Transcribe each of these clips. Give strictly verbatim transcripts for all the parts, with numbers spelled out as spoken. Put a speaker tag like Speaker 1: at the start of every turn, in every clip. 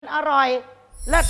Speaker 1: อร่อยเลิศ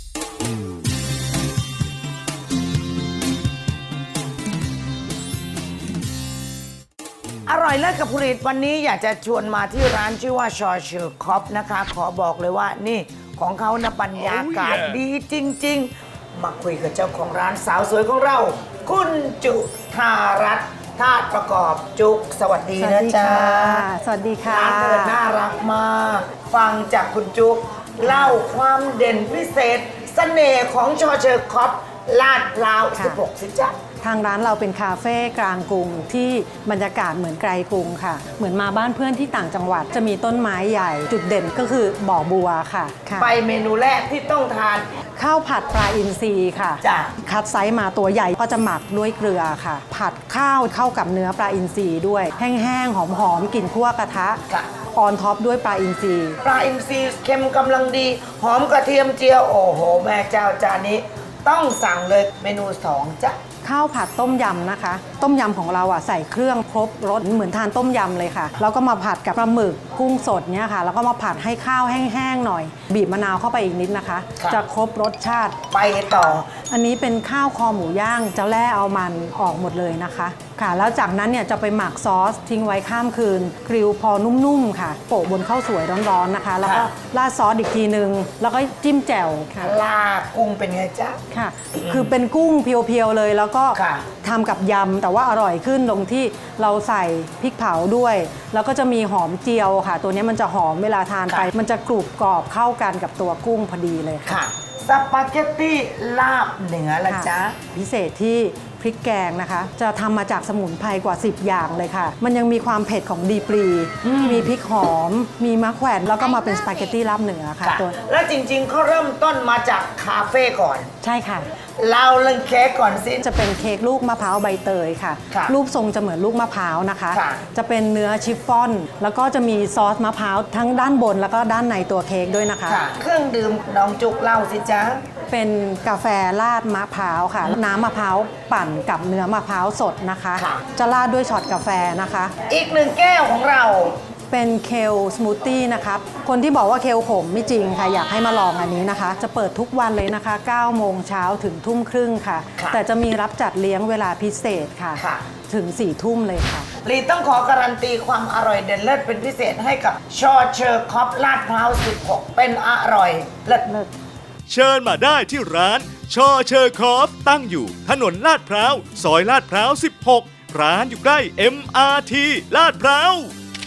Speaker 1: อร่อยเลิศกับผลิตวันนี้อยากจะชวนมาที่ร้านชื่อว่าชอเชอร์คอปนะคะขอบอกเลยว่านี่ของเขานะบรรยากาศ oh, yeah. ดีจริงๆมาคุยกับเจ้าของร้านสาวสวยของเรา คุณจุธารัตน์ธาตุประกอบจุกสวัสดีนะจ๊ะ
Speaker 2: สวัสดีค่ะ
Speaker 1: ร้านเปิดน่ารักมากฟังจากคุณจุกเล่าความเด่นพิเศษเสน่ห์ของชอเชอร์คอปลาดพร้าวสิบหกสิจ๊ะ
Speaker 2: ทางร้านเราเป็นคาเฟ่กลางกรุงที่บรรยากาศเหมือนไกลกรุงค่ะเหมือนมาบ้านเพื่อนที่ต่างจังหวัดจะมีต้นไม้ใหญ่จุดเด่นก็คือบ่อบัวค่ะ
Speaker 1: ไปเมนูแรกที่ต้องทาน
Speaker 2: ข้าวผัดปลาอินทรีค่ะ
Speaker 1: จ้ะ
Speaker 2: คัดไซส์มาตัวใหญ่ก็จะหมักด้วยเกลือค่ะผัดข้าวเข้ากับเนื้อปลาอินทรีด้วยแห้งๆหอมๆกลิ่นคั่วกระทะออนท็อปด้วยปลาอินทรี
Speaker 1: ปลาอินทรีเค็มกำลังดีหอมกระเทียมเจียวโอ้โหแม่เจ้าจานนี้ต้องสั่งเลยเมนูสองจ้ะ
Speaker 2: ข้าวผัดต้มยำนะคะต้มยำของเราอ่ะใส่เครื่องครบรสเหมือนทานต้มยำเลยค่ะแล้วก็มาผัดกับปลาหมึกกุ้งสดเนี่ยค่ะแล้วก็มาผัดให้ข้าวแห้งๆหน่อยบีบมะนาวเข้าไปอีกนิดนะคะจะครบรสชาติ
Speaker 1: ไปต่อ
Speaker 2: อันนี้เป็นข้าวคอหมูย่างจะแล่เอามันออกหมดเลยนะคะค่ะแล้วจากนั้นเนี่ยจะไปหมักซอสทิ้งไว้ข้ามคืนกริลพอนุ่มๆค่ะโปะบนข้าวสวยร้อนๆนะคะแล้วก็ราดซอสอีกทีนึงแล้วก็จิ้มแจ่วค่ะ
Speaker 1: ลากุ้งเป็นไงจ๊ะ
Speaker 2: ค่ะคือเป็นกุ้งเพียวๆเลยแล้วก็ทำกับยำแต่ว่าอร่อยขึ้นตรงที่เราใส่พริกเผาด้วยแล้วก็จะมีหอมเจียวค่ะตัวนี้มันจะหอมเวลาทานไปมันจะกรุบกรอบเข้ากันกับตัวกุ้งพอดีเลยค่ะ
Speaker 1: สปาเกตตี้ลาบเหนือละจ๊ะ
Speaker 2: พิเศษที่พริกแกงนะคะจะทำมาจากสมุนไพรกว่าสิบอย่างเลยค่ะมันยังมีความเผ็ดของดีปรีมีพริกหอมมีมะแขวนแล้วก็มาเป็นสปาเกตตี้ลาบเหนือค่ะตัว
Speaker 1: แล้วจริงๆเขาเริ่มต้นมาจากคาเฟ่ก่อน
Speaker 2: ใช่ค่ะ
Speaker 1: เราเรื่องเค้กก่อนสิ
Speaker 2: จะเป็นเค้กลูกมะพร้าวใบเตยค่ะรูปทรงจะเหมือนลูกมะพร้าวนะคะจะเป็นเนื้อชิฟฟ่อนแล้วก็จะมีซอสมะพร้าวทั้งด้านบนแล้วก็ด้านในตัวเค้กด้วยนะคะ
Speaker 1: เครื่องดื่มน้องจุกเล่าสิจ๊ะ
Speaker 2: เป็นกาแฟราดมะพร้าวค่ะน้ำมะพร้าวปั่นกับเนื้อมะพร้าวสดนะคะจะราดด้วยช็อตกาแฟนะคะ
Speaker 1: อีกหนึ่งแก้วของเรา
Speaker 2: เป็นเคลสมูทตี้นะครับคนที่บอกว่าเคลขมไม่จริงค่ะอยากให้มาลองอันนี้นะคะจะเปิดทุกวันเลยนะคะเก้าโมงเช้าถึงทุ่มครึ่งค่ะแต่จะมีรับจัดเลี้ยงเวลาพิเศษค่ะถึงสี่ทุ่มเลยค่ะ
Speaker 1: ลีต้องขอการันตีความอร่อยเด่นเลิศเป็นพิเศษให้กับชอเชอร์คอปลาดพร้าวสิบหกเป็นอร่อยเลิศเลิศ
Speaker 3: เชิญมาได้ที่ร้านชอเชอร์คอฟตั้งอยู่ถนนลาดพร้าวซอยลาดพร้าวสิบหกร้านอยู่ใกล้ เอ็ม อาร์ ที ลาดพร้าว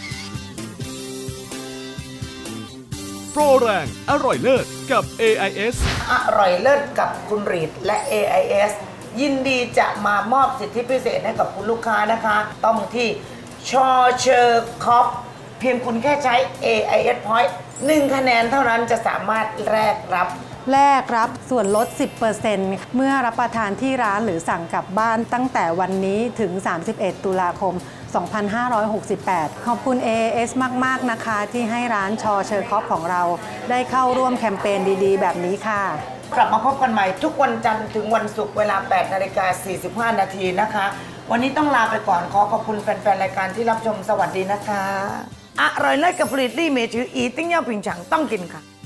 Speaker 3: โปรแรงอร่อยเลิศกับ เอ ไอ เอส
Speaker 1: อร่อยเลิศกับคุณรีดและ เอ ไอ เอส ยินดีจะมามอบสิทธิพิเศษให้กับคุณลูกค้านะคะต้องที่ชอเชอร์คอฟเพียงคุณแค่ใช้ เอ ไอ เอส Point หนึ่งคะแนนเท่านั้นจะสามารถแลกรับ
Speaker 2: แลกรับส่วนลด สิบเปอร์เซ็นต์ เมื่อรับประทานที่ร้านหรือสั่งกลับบ้านตั้งแต่วันนี้ถึงสามสิบเอ็ดตุลาคมสองพันห้าร้อยหกสิบแปดขอบคุณ เอ เอ เอส มากๆนะคะที่ให้ร้านชอเชอร์คอปของเราได้เข้าร่วมแคมเปญดีๆแบบนี้ค่ะ
Speaker 1: กลับมาพบกันใหม่ทุกวันจันทร์ถึงวันศุกร์เวลา แปดนาฬิกาสี่สิบห้า นาทีนะคะวันนี้ต้องลาไปก่อนขอขอบคุณแฟนๆรายการที่รับชมสวัสดีนะคะอร่อยเลิศกับผลิตลี่เมจืออีติ้งเย่าผิงฉังต้องกินค่ะ